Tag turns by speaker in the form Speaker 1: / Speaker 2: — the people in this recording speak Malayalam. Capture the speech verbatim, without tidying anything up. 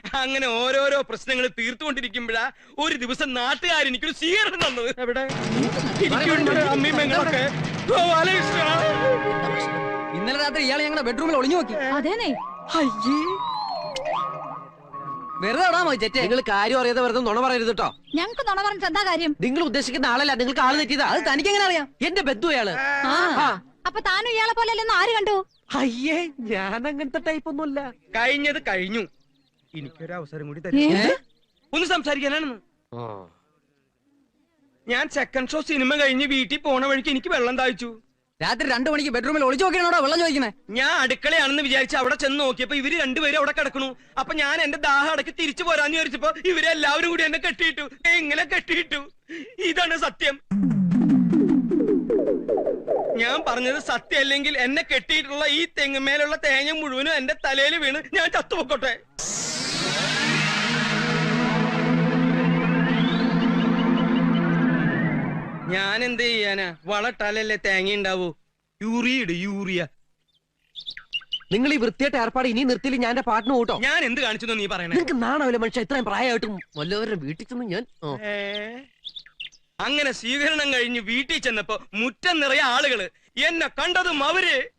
Speaker 1: അങ്ങനെ ഓരോരോ പ്രശ്നങ്ങൾ തീർത്തുകൊണ്ടിരിക്കുമ്പോഴാ ഒരു ദിവസം നാട്ടുകാർ എനിക്കൊരു സ്വീകരണം തന്നത്. എവിടെ അമ്മീമ്മങ്ങളൊക്കെ
Speaker 2: ഇന്നലെ രാത്രി ഇയാളെ ഞങ്ങളുടെ ബെഡ്റൂമിൽ ഒളിഞ്ഞു നോക്കി.
Speaker 3: അതേനെ
Speaker 2: വെറുതെ ഇടാ മതി ചേച്ചേ.
Speaker 4: നിങ്ങൾ കാര്യം അറിയാതെ വെറുതെ നുണ പറയരുത് കേട്ടോ.
Speaker 3: ഞങ്ങക്ക് നുണ പറഞ്ഞിട്ട് എന്താ കാര്യം?
Speaker 4: നിങ്ങൾ ഉദ്ദേശിക്കുന്ന ആളല്ല, നിങ്ങൾക്ക് ആള് തെറ്റിയതാ.
Speaker 2: അത് തനിക്ക് എങ്ങനെ അറിയാം?
Speaker 4: എന്റെ ബന്ധു അയാള്.
Speaker 3: അപ്പൊ താനും ഇയാളെ പോലെ അല്ലെന്ന് ആര് കണ്ടു?
Speaker 4: അയ്യേ, ഞാൻ അങ്ങനത്തെ ടൈപ്പ് ഒന്നുമല്ല.
Speaker 1: കഴിഞ്ഞത് കഴിഞ്ഞു. എനിക്കൊരു അവസരം കൂടി തരും ഒന്ന് സംസാരിക്കാനാണെന്ന്. ഞാൻ സെക്കൻഡ് ഷോ സിനിമ കഴിഞ്ഞ് വീട്ടിൽ പോണ വഴിക്ക് എനിക്ക് വെള്ളം താഴ്ച്ചു.
Speaker 2: രാത്രി രണ്ടു മണിക്ക് ബെഡ്റൂമിൽ ഒളിച്ചു നോക്കിയാണോ വെള്ളം ചോദിക്കുന്നത്?
Speaker 1: ഞാൻ അടുക്കളയാണെന്ന് വിചാരിച്ച് അവിടെ ചെന്ന് നോക്കിയപ്പോ ഇവര് രണ്ടുപേരും അവിടെ കിടക്കണു. അപ്പൊ ഞാൻ എന്റെ ദാഹം അടക്കി തിരിച്ചു പോരാന്ന് വിചാരിച്ചപ്പോ ഇവരെല്ലാവരും കൂടി എന്നെ കെട്ടിയിട്ടു. എങ്ങനെ കെട്ടിയിട്ടു? ഇതാണ് സത്യം. ഞാൻ പറഞ്ഞത് സത്യം അല്ലെങ്കിൽ എന്നെ കെട്ടിയിട്ടുള്ള ഈ തെങ്ങുമേലുള്ള തേങ്ങ മുഴുവനും എന്റെ തലയിൽ വീണ് ഞാൻ ചത്തുപൊക്കോട്ടെ. ഞാൻ എന്ത് ചെയ്യാനാ? വളട്ടാലല്ലേ തേങ്ങ ഉണ്ടാവൂ. യൂറിയ ഇട്, യൂറിയ.
Speaker 4: നിങ്ങൾ ഈ വൃത്തിയായിട്ട് ഏർപ്പാട് ഇനി നിർത്തിയില്ല ഞാൻ എന്റെ പാട്ടിന് കൂട്ടോ.
Speaker 1: ഞാൻ എന്ത് കാണിച്ചു നീ പറയണേ?
Speaker 4: നിങ്ങൾക്ക് നാണാവില്ല മനുഷ്യ, ഇത്രയും പ്രായമായിട്ടും വല്ലവരുടെ വീട്ടിൽ ചെന്ന് ഞാൻ.
Speaker 1: അങ്ങനെ സ്വീകരണം കഴിഞ്ഞ് വീട്ടിൽ ചെന്നപ്പോ മുറ്റം നിറയെ ആളുകള്. എന്നെ കണ്ടതും അവര്